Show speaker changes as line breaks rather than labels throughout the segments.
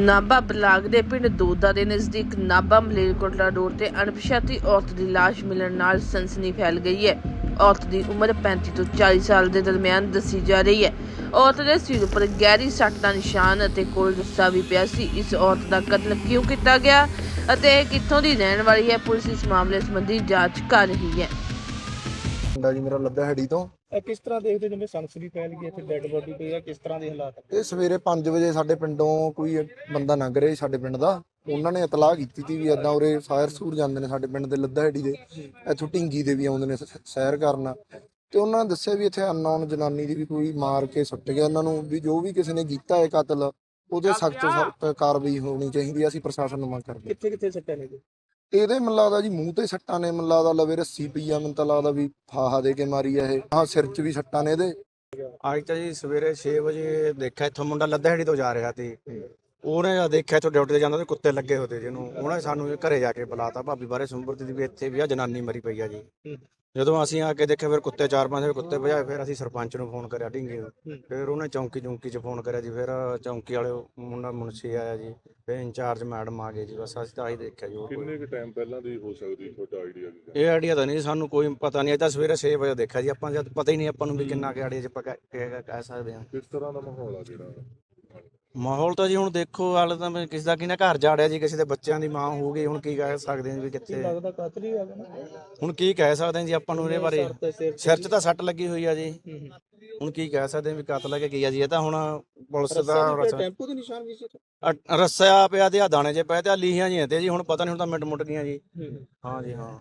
Nabha block ਦੇ ਪਿੰਡ ਦੋਦਾ ਦੇ ਨਜ਼ਦੀਕ ਨਾਭਾ ਮਲੇਰਕੋਟਲਾ ਰੋਡ ਤੇ ਅਣਪਛਾਤੀ ਔਰਤ ਦੀ ਲਾਸ਼ ਮਿਲਣ ਨਾਲ ਸਨਸਨੀ ਫੈਲ ਗਈ ਹੈ। ਔਰਤ ਦੀ ਉਮਰ 35 ਤੋਂ 40 ਸਾਲ ਦੇ ਦਰਮਿਆਨ ਦੱਸੀ ਜਾ ਰਹੀ ਹੈ। ਔਰਤ ਦੇ ਸਿਰ ਉੱਪਰ ਗਹਿਰੀ ਸੱਟ ਦਾ ਨਿਸ਼ਾਨ ਅਤੇ ਕੋਲ ਰੱਸਾ ਵੀ ਪਿਆ ਸੀ। ਇਸ ਔਰਤ ਦਾ ਕਤਲ ਕਿਉਂ ਕੀਤਾ ਗਿਆ ਅਤੇ ਕਿੱਥੋਂ ਦੀ ਰਹਿਣ ਵਾਲੀ ਹੈ, ਪੁਲਿਸ ਇਸ ਮਾਮਲੇ ਸੰਬੰਧੀ ਜਾਂਚ ਕਰ ਰਹੀ ਹੈ।
ਜੀ ਮੇਰਾ ਲੱਦਾ ਹੈੜੀ ਤੋਂ
ਕਿਸ ਤਰ੍ਹਾਂ ਦੇਖਦੇ ਜਿਵੇਂ ਸਨਸਨੀ ਫੈਲ ਗਈ ਇੱਥੇ ਡੈੱਡ ਬੋਡੀ ਪਈ ਆ, ਕਿਸ ਤਰ੍ਹਾਂ ਦੇ ਹਾਲਾਤ?
ਇਹ ਸਵੇਰੇ 5 ਵਜੇ ਸਾਡੇ ਪਿੰਡੋਂ ਕੋਈ ਬੰਦਾ ਲੰਘ ਰਿਹਾ ਸੀ ਸਾਡੇ ਪਿੰਡ ਦਾ। ਉਹਨਾਂ ਨੇ ਇਤਲਾਹ ਕੀਤੀ ਸੀ ਵੀ ਇਦਾਂ ਉਰੇ ਸਾਇਰ ਸੂਰ ਜਾਂਦੇ ਨੇ ਸਾਡੇ ਪਿੰਡ ਦੇ ਲੱਦਾ ਹੈੜੀ ਦੇ, ਇੱਥੋਂ ਢਿੰਗੀ ਦੇ ਵੀ ਆਉਂਦੇ ਨੇ ਸੈਰ ਕਰਨ। ਤੇ ਉਹਨਾਂ ਨੇ ਦੱਸਿਆ ਵੀ ਇੱਥੇ ਅਨਨੋਨ ਜਨਾਨੀ ਦੀ ਵੀ ਕੋਈ ਮਾਰ ਕੇ ਸੁੱਟ ਗਿਆ ਇਹਨਾਂ ਨੂੰ, ਵੀ ਜੋ ਵੀ ਕਿਸੇ ਨੇ ਕੀਤਾ ਹੈ ਕਤਲ ਉਹਦੇ ਸਖਤ ਤੋਂ ਸਖਤ ਕਾਰਵਾਈ ਹੋਣੀ ਚਾਹੀਦੀ ਹੈ। ਅਸੀਂ ਪ੍ਰਸ਼ਾਸਨ ਨੂੰ ਮੰਗ ਕਰਦੇ।
ਕਿੱਥੇ ਕਿੱਥੇ ਸੱਟਾਂ ਨੇ ਜੀ?
ਇਹਦੇ ਮੈਨੂੰ ਲੱਗਦਾ ਜੀ ਮੂੰਹ ਤੇ ਸੱਟਾਂ ਨੇ, ਮੈਨੂੰ ਲੱਗਦਾ ਲਵੇ ਰੱਸੀ ਪਈ ਆ, ਮੈਨੂੰ ਤਾਂ ਲੱਗਦਾ ਵੀ ਫਾਹਾ ਦੇ ਕੇ ਮਾਰੀ ਆ ਇਹ। ਹਾਂ ਸਿਰ 'ਚ ਵੀ ਸੱਟਾਂ ਨੇ ਇਹਦੇ।
ਅੱਜ ਤਾਂ ਜੀ ਸਵੇਰੇ 6 ਵਜੇ ਦੇਖਿਆ ਇੱਥੋਂ ਮੁੰਡਾ ਲੱਦਹੜੀ ਤੋਂ ਜਾ ਰਿਹਾ ਸੀ। ਉਹਨੇ ਜਦ ਦੇਖਿਆ ਇੱਥੋਂ ਡਿਊਟੀ ਤੇ ਜਾਂਦਾ ਤੇ ਕੁੱਤੇ ਲੱਗੇ ਹੋਤੇ ਜਿਹਨੂੰ, ਉਹਨੇ ਸਾਨੂੰ ਘਰੇ ਜਾ ਕੇ ਬੁਲਾਤਾ ਭਾਬੀ ਬਾਰੇ ਸੁੰਬਰਤੀ ਦੀ ਵੀ ਇੱਥੇ ਵੀ ਆ ਜਨਾਨੀ ਮਰੀ ਪਈ ਆ ਜੀ। ਜਦੋਂ ਅਸੀਂ ਆ ਕੇ ਦੇਖਿਆ ਫਿਰ ਕੁੱਤੇ 4-5 ਕੁੱਤੇ ਭਜਾਏ। ਫਿਰ ਅਸੀਂ ਸਰਪੰਚ ਨੂੰ ਫੋਨ ਕਰਿਆ ਢਿੰਗੇ ਨੂੰ, ਫਿਰ ਉਹਨੇ ਚੌਂਕੀ 'ਚ ਫੋਨ ਕਰਿਆ ਜੀ। ਫਿਰ ਚੌਂਕੀ ਵਾਲੇ ਮੁੰਡਾ ਮੁਨਸ਼ੀ ਆਇਆ ਜੀ, ਫਿਰ ਇੰਚਾਰਜ ਮੈਡਮ ਆ ਗਏ ਜੀ। ਬਸ ਅਸੀਂ ਤਾਂ ਆਹੀ ਦੇਖਿਆ ਜੀ।
ਕਿੰਨੇ ਕੁ ਟਾਈਮ ਪਹਿਲਾਂ ਦੀ ਹੋ ਸਕਦੀ ਤੁਹਾਡਾ ਆਈਡੀਆ?
ਇਹ ਆਈਡੀਆ ਤਾਂ ਨਹੀਂ ਸਾਨੂੰ ਕੋਈ ਪਤਾ ਨਹੀਂ। ਇਹ ਤਾਂ ਸਵੇਰੇ 6 ਵਜੇ ਦੇਖਿਆ ਜੀ ਆਪਾਂ, ਜਦ ਪਤਾ ਹੀ ਨਹੀਂ ਆਪਾਂ ਨੂੰ ਵੀ ਕਿੰਨਾ ਕਿ ਆਈਡੀਆ 'ਚ ਆਪਾਂ ਕਹਿ ਸਕਦੇ ਹਾਂ।
ਕਿਸ ਤਰ੍ਹਾਂ ਦਾ ਮਾਹੌਲ ਆ ਜਿਹੜਾ?
ਮਾਹੌਲ ਤਾਂ ਜੀ ਹੁਣ ਦੇਖੋ ਹਾਲੇ ਤਾਂ ਕਿਸੇ ਦਾ ਕਿਹਨੇ ਘਰ ਜਾੜਿਆ ਜੀ, ਕਿਸੇ ਦੇ ਬੱਚਿਆਂ ਦੀ ਮਾਂ ਹੋ ਗਈ। ਹੁਣ ਕੀ ਕਹਿ ਸਕਦੇ ਹਾਂ ਵੀ ਕਿੱਥੇ
ਲੱਗਦਾ ਕਾਤਲ ਹੀ ਆ ਗਿਆ ਨਾ।
ਹੁਣ ਕੀ ਕਹਿ ਸਕਦੇ ਹਾਂ ਜੀ ਆਪਾਂ ਨੂੰ ਇਹਦੇ ਬਾਰੇ। ਸਿਰ 'ਚ ਤਾਂ ਸੱਟ ਲੱਗੀ ਹੋਈ ਆ ਜੀ। ਹੁਣ ਕੀ ਕਹਿ ਸਕਦੇ ਹਾਂ ਵੀ ਕਤਲ ਹੈ ਕਿ ਕੀ ਆ ਜੀ। ਇਹ ਤਾਂ ਹੁਣ ਪੁਲਿਸ ਦਾ
ਟੈਂਪੂ ਦੇ ਨਿਸ਼ਾਨ ਵੀ ਸੀ।
ਰੱਸਿਆ ਪਿਆ ਤੇ ਆ ਦਾਣੇ 'ਚ ਪਏ ਤੇ ਆ ਲੀਹਾਂ ਜੀ ਤੇ ਜੀ। ਹੁਣ ਪਤਾ ਨਹੀਂ, ਹੁਣ ਤਾਂ ਮਿੰਟ ਮੁੱਟ ਗਈਆਂ ਜੀ। ਹਾਂ ਜੀ ਹਾਂ।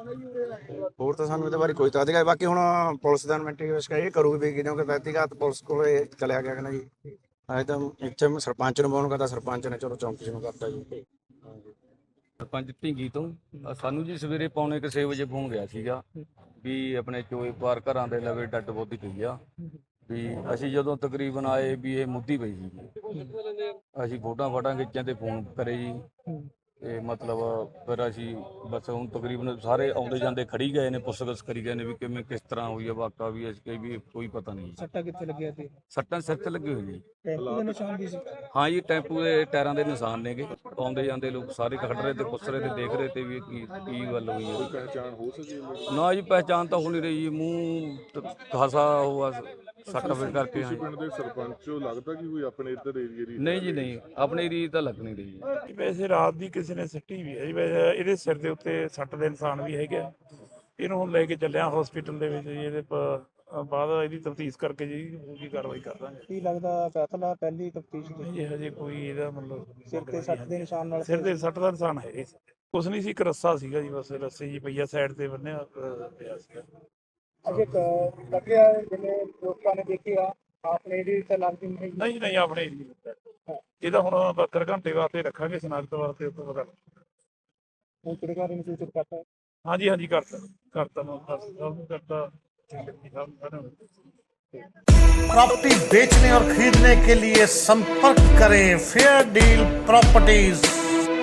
ਹੋਰ ਤਾਂ ਸਾਨੂੰ ਇਹਦੇ ਬਾਰੇ ਕੋਈ ਤਾਂ ਅਧਿਕਾਰ। ਬਾਕੀ ਹੁਣ ਪੁਲਿਸ ਦਾ ਇਨਵੈਸਟੀਗੇਸ਼ਨ ਇਹ ਕਰੂਗੀ ਵੀ ਕਿਉਂਕਿ ਵਿਅਕਤੀਗਤ ਪੁਲਿਸ ਕੋਲੇ ਚਲਿਆ ਗਿਆ ਕਿ ਨਾ ਜੀ। ਅੱਜ ਤਾਂ ਇੱਥੇ ਸਰਪੰਚ ਨੂੰ ਫੋਨ ਕਰਦਾ, ਸਰਪੰਚ ਨੇ ਚਲੋ ਚੌਂਕੀ ਨੂੰ ਕਰਤਾ ਜੀ।
ਸਰਪੰਚ ਢਿੰਗੀ ਤੋਂ ਸਾਨੂੰ ਜੀ ਸਵੇਰੇ ਪੌਣੇ 6 ਵਜੇ ਫੋਨ ਗਿਆ ਸੀਗਾ ਵੀ ਆਪਣੇ ਚੋਏ ਪਾਰ ਘਰਾਂ ਦੇ ਲਵੇ ਡੱਡ ਬੋਦੀ ਪਈ ਆ। ਵੀ ਅਸੀਂ ਜਦੋਂ ਤਕਰੀਬਨ ਆਏ ਵੀ ਇਹ ਮੁੱਦੀ ਪਈ ਸੀ। ਅਸੀਂ ਫੋਟਾਂ ਖਿੱਚਾਂ ਤੇ ਫੋਨ ਕਰੇ ਜੀ। ਤੇ ਮਤਲਬ ਫਿਰ ਅਸੀਂ ਬਸ ਹੁਣ ਤਕਰੀਬਨ ਸਾਰੇ ਆਉਂਦੇ ਜਾਂਦੇ ਖੜੀ ਗਏ ਨੇ, ਪੁੱਛਗਿੱਛ ਕਰੀ ਗਏ ਨੇ ਵੀ ਕਿਵੇਂ ਕਿਸ ਤਰ੍ਹਾਂ ਹੋਈ ਆ ਵਾਕਾ। ਵੀ ਅਸੀਂ ਵੀ ਕੋਈ ਪਤਾ ਨਹੀਂ।
ਸੱਟਾਂ ਕਿੱਥੇ ਲੱਗੀਆਂ ਸੀ?
ਸੱਟਾਂ ਸਿਰ ਤੇ ਲੱਗੀ ਹੋਈ ਜੀ।
ਟੈਂਪੂ ਦੇ ਨਿਸ਼ਾਨ ਵੀ ਸੀ?
ਹਾਂ ਜੀ, ਟੈਂਪੂ ਦੇ ਟਾਇਰਾਂ ਦੇ ਨਿਸ਼ਾਨ ਨੇਗੇ। ਆਉਂਦੇ ਜਾਂਦੇ ਲੋਕ ਸਾਰੇ ਖੜ ਰਹੇ ਤੇ ਪੁੱਛ ਰਹੇ ਤੇ ਦੇਖ ਰਹੇ ਤੇ ਵੀ ਕੀ ਗੱਲ ਹੋਈ ਹੈ।
ਪਹਿਚਾਣ ਹੋ ਸਕੀ?
ਨਾ ਜੀ, ਪਹਿਚਾਣ ਤਾਂ ਹੋ ਨਹੀਂ ਰਹੀ ਜੀ। ਮੂੰਹ ਖਾਸਾ ਹੋਆ ਸੱਟ ਫੇਰ ਕਰਕੇ।
ਤੁਸੀਂ ਪਿੰਡ ਦੇ ਸਰਪੰਚ ਹੋ, ਲੱਗਦਾ ਕਿ ਕੋਈ ਆਪਣੇ ਇੱਧਰ ਏਰੀਏ ਦੀ?
ਨਹੀਂ ਜੀ ਨਹੀਂ, ਆਪਣੇ ਏਰੀਏ ਤਾਂ ਲੱਗ ਨਹੀਂ ਰਹੀ ਜੀ।
ਵੈਸੇ ਰਾਤ ਦੀ ਕਿਸੇ ਨੇ ਸਿੱਟੀ ਵੀ ਹੈ ਜੀ। ਵੈਸੇ ਇਹਦੇ ਸਿਰ ਦੇ ਉੱਤੇ ਸੱਟ ਦੇ ਨਿਸ਼ਾਨ ਵੀ ਹੈਗੇ ਆ। ਇਹਨੂੰ ਹੁਣ ਲੈ ਕੇ ਚੱਲਿਆ ਹਸਪੀਟਲ ਦੇ ਵਿੱਚ ਜੀ। ਇਹਦੇ ਬਾਅਦ ਇਹਦੀ ਤਫਤੀਸ਼ ਕਰਕੇ ਜੀ ਪੂਰੀ ਕਾਰਵਾਈ ਕਰ ਦਾਂਗੇ।
ਕੀ ਲੱਗਦਾ ਕਾਤਲ ਆ? ਪਹਿਲੀ ਤਫਤੀਸ਼
ਜੀ ਹਜੇ ਕੋਈ ਇਹਦਾ ਮਤਲਬ
ਸਿਰ ਤੇ ਸੱਟ ਦੇ ਨਿਸ਼ਾਨ ਨਾਲ?
ਸਿਰ ਦੇ ਸੱਟ ਦਾ ਨਿਸ਼ਾਨ ਹੈ ਕੁਛ ਨਹੀਂ ਸੀ, ਇੱਕ ਰੱਸਾ ਸੀਗਾ ਜੀ। ਬਸ ਰੱਸੇ ਜੀ ਪਈਆ ਸਾਈਡ ਤੇ ਬੰਨਿਆ ਪਿਆ ਸੀਗਾ।
ਅਜੇ ਲੱਗਿਆ ਜਿਵੇਂ ਲੋਕਾਂ ਨੇ ਦੇਖਿਆ ਆਪਣੇ ਦੀ ਤਾਂ ਲੱਗਦੀ ਨਹੀਂ।
ਨਹੀਂ ਆਪਣੇ ਇਹਦਾ ਹੁਣ 72 ਘੰਟੇ ਵਾਸਤੇ ਰੱਖਾਂਗੇ ਸਨਾਖਤ ਵਾਸਤੇ। ਉਸ ਤੋਂ ਬਾਅਦ
ਹੁਣ ਕਿਹੜੇ ਨੂੰ ਸੂਚਿਤ ਕਰਤਾ?
ਹਾਂਜੀ ਕਰਤਾ ਮੈਂ ਕਰਤਾ।
प्रॉपर्टी बेचने और खरीदने के लिए संपर्क करें फेयर डील प्रॉपर्टीज।